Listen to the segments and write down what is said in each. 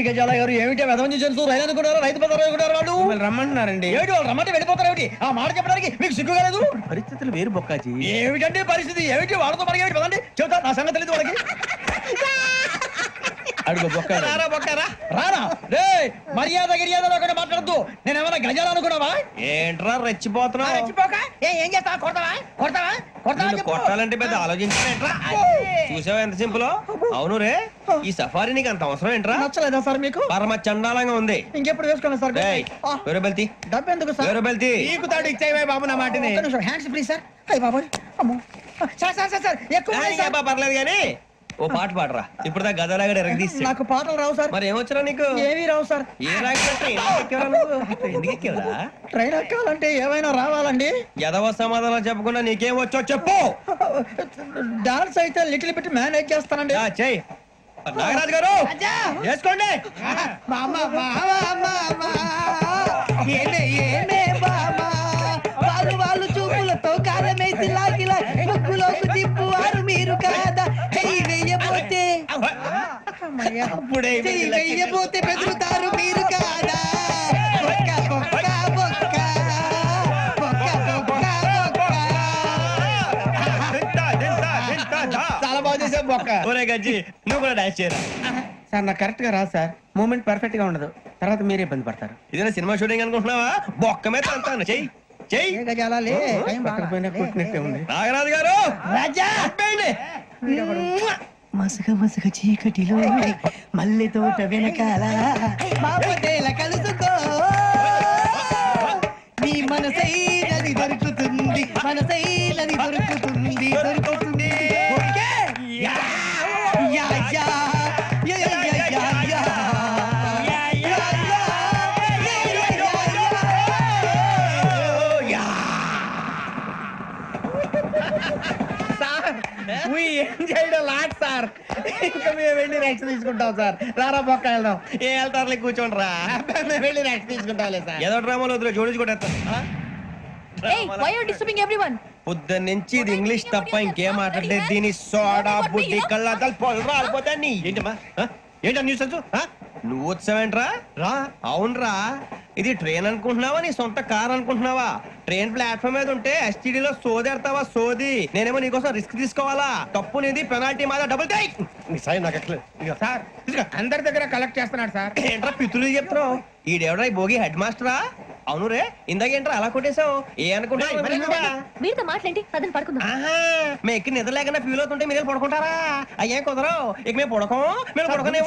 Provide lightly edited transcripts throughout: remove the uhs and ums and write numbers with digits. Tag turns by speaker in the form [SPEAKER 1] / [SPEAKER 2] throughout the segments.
[SPEAKER 1] గజాల గారు ఏమిటి వెదవని జంతువు రైలు అనుకున్నారా రైతు బజార్ అనుకున్నారా వాళ్ళు
[SPEAKER 2] రమ్మంటున్నారండి.
[SPEAKER 1] ఏమిటి వాళ్ళు రమ్మంటే వెళ్ళిపోతారు ఏమిటి ఆ మాట చెప్పడానికి మీకు సిగ్గు కాలేదు
[SPEAKER 2] పరిస్థితులు వేరు బొక్కాజీ.
[SPEAKER 1] ఏమిటంటే పరిస్థితి ఏమిటి వాళ్ళతో మనకి ఏమిటి పదండి చెబుతా నా సంగతి తెలియదు వాళ్ళకి
[SPEAKER 2] అడుగు బొక్క
[SPEAKER 1] రారా బొక్కరా రారా రే మర్యాద గిర్యాద ఒకటి మాట్లాడద్దు నేను ఏమైనా గజాలు అనుకున్నావా
[SPEAKER 2] ఏంట్రా రెచ్చిపోతున్నావు?
[SPEAKER 1] రెచ్చిపోక ఏం చేస్తావా కొడతావా కొడతావా కొడతావా
[SPEAKER 2] నిన్ను కొట్టాలంటే పెద్ద ఆలోచించానేంట్రా? చూసావా ఎంత సింపుల్. అవును రే ఈ సఫారీ నీకు అంత అవసరం ఏంట్రా?
[SPEAKER 1] నచ్చలేదా సార్ మీకు
[SPEAKER 2] పరమ చండాలంగా ఉంది.
[SPEAKER 1] ఇంకెప్పుడు వేసుకోండి సార్
[SPEAKER 2] వేరే బెల్తి
[SPEAKER 1] డబ్బు ఎందుకు సార్
[SPEAKER 2] వేరే బెల్తి
[SPEAKER 3] నీకు తాడు ఇచ్చాయి బాబు నా మాటని.
[SPEAKER 1] హ్యాండ్స్ ప్లీజ్ సార్ అయ్యి బాబోయ్ అమ్మో సార్ సార్ సార్ సార్ ఎక్కువ ఉన్నాయి సార్.
[SPEAKER 2] పర్లేదు కానీ ఓ పాట పాడరా. ఇప్పుడు దా గదలాగడ ఎరగదీసి.
[SPEAKER 1] నాకు పాటలు రావు సార్
[SPEAKER 2] మరి ఏమొచ్చరా నీకు?
[SPEAKER 1] ఏమీ రావు సార్.
[SPEAKER 2] ఏ రాకపోతే ఎందుకు ఎక్కేవరా?
[SPEAKER 1] ట్రైన్ ఎక్కాలంటే ఏమైనా రావాలండి.
[SPEAKER 2] ఎదవ సమాధానం చెప్పకుండా నీకేం వచ్చో చెప్పు.
[SPEAKER 1] డాన్స్ అయితే లిటిల్ బిట్ మేనేజ్ చేస్తానండి.
[SPEAKER 2] చెయ్యి నాగరాజు గారు వేసుకోండి.
[SPEAKER 1] వాళ్ళు చూపులతో కాలమేసి లాగిలా ముగ్గులోకి తిప్పువారు మీరు కాదా చెయ్యి వెయ్యబోతే చెయ్యి వెయ్యబోతే బెదురుతారు మీరు కాదా బొక్క బొక్క బొక్క బొక్క బొక్క
[SPEAKER 3] చాలా బాగా చేసావు బొక్క.
[SPEAKER 2] ఒరే గజ్జి నువ్వు కూడా డాన్స్ చేయరా.
[SPEAKER 3] సార్ నాకు కరెక్ట్ గా రాదు సార్. మూమెంట్ పర్ఫెక్ట్ గా ఉండదు. తర్వాత మీరే ఇబ్బంది పడతారు.
[SPEAKER 2] ఇదేనా సినిమా షూటింగ్ అనుకుంటున్నావా? బొక్క మీద అంతాను చెయ్యి చెయ్యి.
[SPEAKER 3] పక్కన పోయినా కొట్టినట్టే ఉంది.
[SPEAKER 2] నాగరాజు గారు
[SPEAKER 1] రాజా మసగ మసగ చీకటిలో మల్లె తోట వెనకాల బాబుదేల కలుసుకో నీ మనసైనది దొరుకుతుంది మనసైనది దొరుకుతుంది దొరుకుతుంది yeah yeah yeah yeah yeah yeah yeah
[SPEAKER 3] lot sir. ఇంకా మేము వెళ్ళి రెక్స్ తీసుకుంటాం సార్. రారా బొక్క వెళ్దాం.
[SPEAKER 2] ఏ వెళ్తారులే కూర్చోండి రా.
[SPEAKER 3] మేము వెళ్ళి రెక్స్ తీసుకుంటాంలే సార్.
[SPEAKER 2] ఏదో డ్రామాలో వద్దు జోడించుకుంటా. పొద్దున్న నుంచి ఇది ఇంగ్లీష్ తప్ప ఇంకేం మాట్లాడితే దీని సోడా బుద్ధి కళ్ళ పొలం రాలిపోతా. నీ ఏంటమ్మా ఏంటా న్యూస్ నువ్వు వచ్చావేంట్రా? రా అవునరా. ఇది ట్రైన్ అనుకుంటున్నావా నీ సొంత కార్ అనుకుంటున్నావా? ట్రైన్ ప్లాట్ఫామ్ మీద ఉంటే ఎస్టీడీలో సోదేడతావా సోది. నేనేమో నీకోసం రిస్క్ తీసుకోవాలా? తప్పు నీది పెనాల్టీ మాదా డబుల్ టై.
[SPEAKER 3] సార్ అందరి దగ్గర కలెక్ట్ చేస్తున్నాడు సార్.
[SPEAKER 2] ఏంట్రా పితులు చెప్తున్నావు? ఈడెవడ్రా ఈ భోగి హెడ్ మాస్టరా? అవును రే ఇందాకేంట్రా అలా కొట్టేశావు? ఏ అనుకుంటున్నావు?
[SPEAKER 4] మీరుతో మాట్లాడి అతను పడుకుందాం.
[SPEAKER 2] మేము ఎక్కి నిద్ర లేకుండా ఫీల్ అవుతుంటే మీరు పడుకుంటారా? అయ్యే కుదరవు. ఇక మేము పడకం మేము పడకనేమో.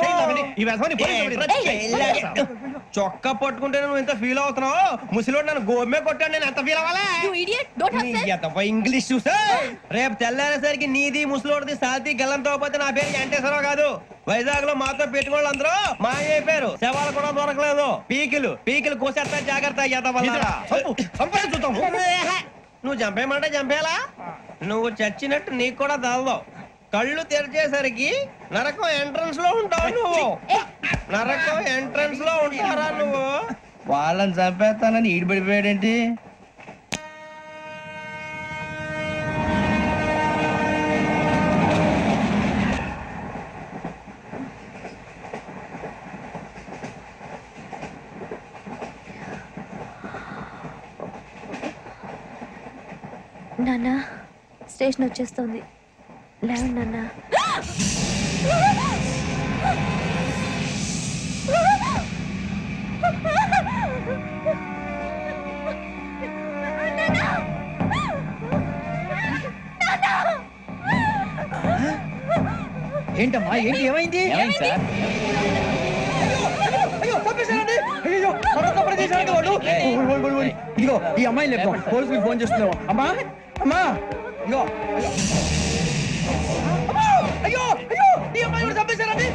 [SPEAKER 2] చొక్కా పట్టుకుంటే నువ్వు ఎంత ఫీల్ అవుతున్నావు? ముసలివాడు నన్ను గోమే కొట్టాడు. నేను ఎంత ఫీల్ అవ్వాలా? ఇంగ్లీష్ చూసా రేపు తెల్లారేసరికి నీది ముసలోడిది సాతి గల్లంతో పోతే నా పేరు వెంకటేశ్వరరావు కాదు. వైజాగ్ లో మాతో పెట్టుకోళ్ళు అందరూ మాయైపోయారు. శవాలు కూడా దొరకలేదు. పీకిలు పీకిలు కోసేస్తా జాగ్రత్త. నువ్వు చంపేయమంటే చంపేలా? నువ్వు చచ్చినట్టు నీకు కూడా తగదు. కళ్ళు తెరిచేసరికి నరకం ఎంట్రన్స్ లో ఉంటావు నువ్వు. నరకం ఎంట్రన్స్ లో ఉంటారా నువ్వు?
[SPEAKER 3] వాళ్ళని చంపేస్తానని ఈడిపడిపోయాడేంటి?
[SPEAKER 4] నాన్న స్టేషన్ వచ్చేస్తుంది. లేవండి నాన్న.
[SPEAKER 1] ఏంటమ్మా ఏంటి ఏమైంది?
[SPEAKER 3] సార్
[SPEAKER 1] అయ్యో తప్పేశారండి. అయ్యో పడి చేశారండి వాళ్ళు. ఇదిగో ఈ అమ్మాయి లేదు పోలీసులకు ఫోన్ చేస్తున్నావు. అమ్మా అమ్మా ఇదిగో అయ్యో అయ్యో ఈ అమ్మాయి కూడా తప్పేశారండి.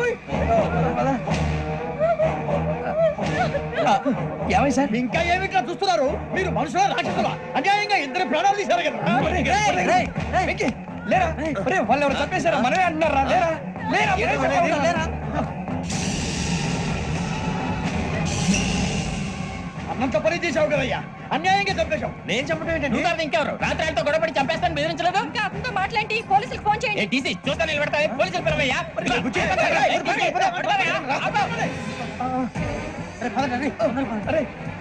[SPEAKER 1] ఏమై సార్ ఇంకా ఏమిట్లా చూస్తున్నారు? మీరు మనుషుల రాక్షసులా? అన్యాయంగా ఇద్దరు ప్రాణాలు తీశారు కదా. లేరా వాళ్ళు ఎవరు చంపేశారా? మనమే అంటున్నారా? లేరా లేరా లేరా అన్నంత పని చేసావు కదయ్యా. అన్యాయంగా చంపేశావు.
[SPEAKER 2] నేను చెప్పడం ఏంటంటే
[SPEAKER 3] ఇంకెవరు రాత్రి ఆయనతో గొడవపడి చంపేస్తాను బెదిరించలేదు.
[SPEAKER 4] ఇంకా అతనితో మాట్లాడి పోలీసులకు ఫోన్ చేయండి.
[SPEAKER 3] చూస్తా నిలబెడతా. పోలీసులు పిలవయ్యా.
[SPEAKER 1] అరే పదండి, అరే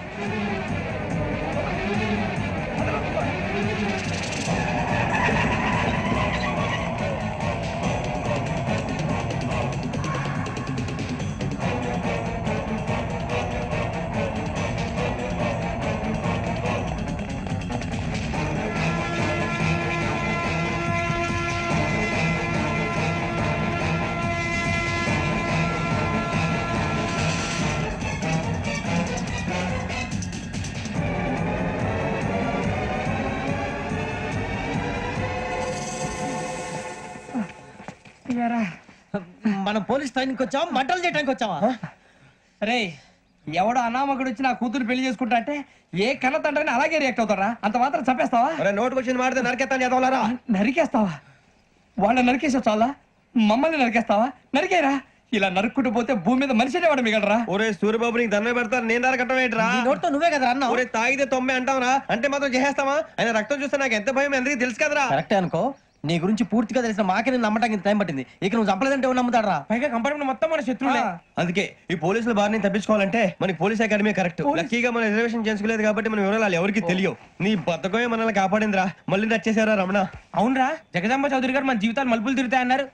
[SPEAKER 1] మనం పోలీస్ ట్రైనింగ్ వచ్చావా మంటలు చేయడానికి వచ్చావా రే ఎవడో అనామకుడు వచ్చి నా కూతురు పెళ్లి చేసుకుంటా అంటే ఏ కన్న తండ్రిని అలాగే రియాక్ట్ అవుతారా? అంత మాత్రం చంపేస్తావా?
[SPEAKER 2] నోటుకు వచ్చింది మాడితే నరకెత్తాను చదవాలరా.
[SPEAKER 1] నరికేస్తావా? వాళ్ళని నరికేసా చాలా, మమ్మల్ని నరికేస్తావా? నరికేరా. ఇలా నరుక్కుంటూ పోతే భూమి మీద మనిషినే వాడు మిగలరా.
[SPEAKER 2] ఒరే సూర్యబాబు నీకు దండ పెడతాను, నేను నరకటం ఏంట్రా?
[SPEAKER 1] నోటితో నువ్వే కదా అన్నా.
[SPEAKER 2] ఒరే తాగితే తొమ్మే అంటావురా, అంటే మాత్రం చేసేస్తావా? ఆయన రక్తం చూస్తే నాకు ఎంత భయం అందరికీ తెలుసు కదరా.
[SPEAKER 1] కరెక్టే అనుకో, నీ గురించి పూర్తిగా తెలిసిన మాకే నేను నమ్మటానికి ఇంత టైం పట్టింది. ఇక నువ్వు చంపలేదంటే ఎవరు నమ్ముతాడరా? పైగా కంపార్ట్మెంట్ మొత్తం మన శత్రువులే.
[SPEAKER 2] అందుకే ఈ పోలీసుల బారిని తప్పించుకోవాలంటే మనకి పోలీస్ అకాడమీ కరెక్ట్. లక్కీగా మనం రిజర్వేషన్ చేసుకోలేదు కాబట్టి మనం వివరాలు ఎవరికి తెలియవు. నీ బతకమే మనల్ని కాపాడిందిరా. మళ్ళీ నచ్చేసారా రమణ?
[SPEAKER 1] అవునరా, జగదాంబ చౌదరి గారు మన జీవితాలు మలుపులు తిరుగుతాయన్నారు.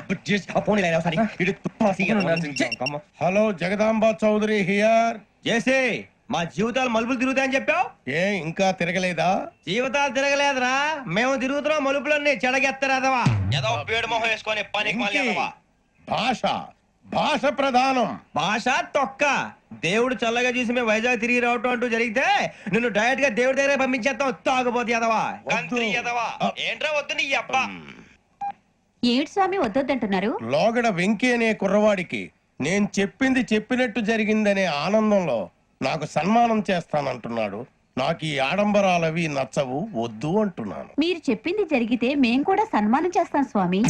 [SPEAKER 3] Hello Jagadamba Chowdary here.
[SPEAKER 2] చేసే మా జీవితాలు మలుపులు తిరుగుతాయని చెప్పావు.
[SPEAKER 3] ఏ ఇంకా తిరగలేదా?
[SPEAKER 2] జీవితాలు తిరగలేదురా, మేము తిరుగుతున్నాం మలుపులన్నీ. చెడగెత్తరాదవా ఏదో పేడు మొహం వేసుకొని పనికి మళ్ళీ
[SPEAKER 3] భాష భాష ప్రధానం.
[SPEAKER 2] భాష తొక్క. దేవుడు చల్లగా చూసి మేము వైజాగ్ తిరిగి రావటం అంటూ జరిగితే నిన్ను డైరెక్ట్ గా దేవుడి దగ్గర పంపించేస్తాం. తాగబోతు ఎదవా, కంత్రి ఎదవా. ఏంట్రా వద్దు నీ అబ్బా.
[SPEAKER 4] ఏడు స్వామి వద్దొద్దంటున్నారు.
[SPEAKER 3] లోగడ వెంకీ అనే కుర్రవాడికి నేను చెప్పింది చెప్పినట్టు జరిగిందనే ఆనందంలో నాకు సన్మానం చేస్తానంటున్నాడు. నాకు ఈ ఆడంబరాలవి నచ్చవు, వద్దు అంటున్నాను.
[SPEAKER 4] మీరు చెప్పింది జరిగితే మేం కూడా సన్మానం చేస్తాం స్వామి.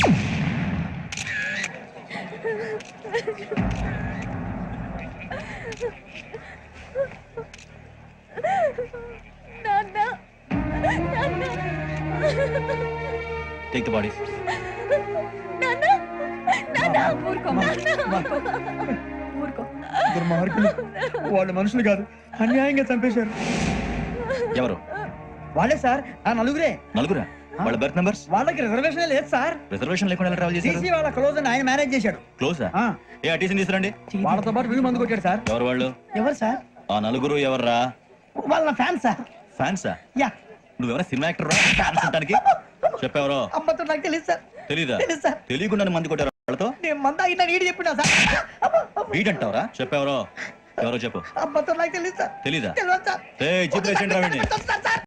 [SPEAKER 5] Take the body.
[SPEAKER 1] దుర్మార్గులు, వాళ్ళు మనుషులు కాదు, అన్యాయంగా చంపేశారు.
[SPEAKER 5] ఎవరు?
[SPEAKER 1] వాళ్ళే సార్, ఆ నలుగురే.
[SPEAKER 5] నలుగురా? వాళ్ళ బర్త్ నంబర్స్?
[SPEAKER 1] వాళ్ళకి రిజర్వేషన్ లేదు సార్.
[SPEAKER 5] రిజర్వేషన్ లేకుండా ఎలా ట్రావెల్ చేశారు?
[SPEAKER 1] సీసీ వాళ్ళ క్లోజ్ అని ఆయన మేనేజ్ చేశాడు.
[SPEAKER 5] క్లోజా? ఏ అటీసీని తీసుకురండి.
[SPEAKER 1] వాళ్ళతో పాటు వీళ్ళు మందు కొట్టాడు సార్.
[SPEAKER 5] ఎవరు వాళ్ళు?
[SPEAKER 1] ఎవరు సార్?
[SPEAKER 5] ఆ నలుగురు ఎవర్రా?
[SPEAKER 1] వాళ్ళ ఫ్యాన్ సార్.
[SPEAKER 5] ఫ్యాన్సా?
[SPEAKER 1] యా.
[SPEAKER 5] నువ్వెవరా సినిమా యాక్టర్ రా ఫ్యాన్స్ అంటానికి? చెప్పెవరో?
[SPEAKER 1] అమ్మతో నాకు తెలియదు సార్.
[SPEAKER 5] తెలీదా?
[SPEAKER 1] తెలుసు సార్.
[SPEAKER 5] తెలియకుండా మంది కొట్టారు వాళ్ళతో?
[SPEAKER 1] నేను మంద అయినా నీడి చెప్పినా సార్.
[SPEAKER 5] వీడంటావరా? చెప్పెవరో? ఎవరో చెప్పు.
[SPEAKER 1] అమ్మతో నాకు తెలియదు సార్.
[SPEAKER 5] తెలీదా?
[SPEAKER 1] తెలియదు సార్.
[SPEAKER 5] జీప్ వేసేయండి రా వీడిని.
[SPEAKER 1] సార్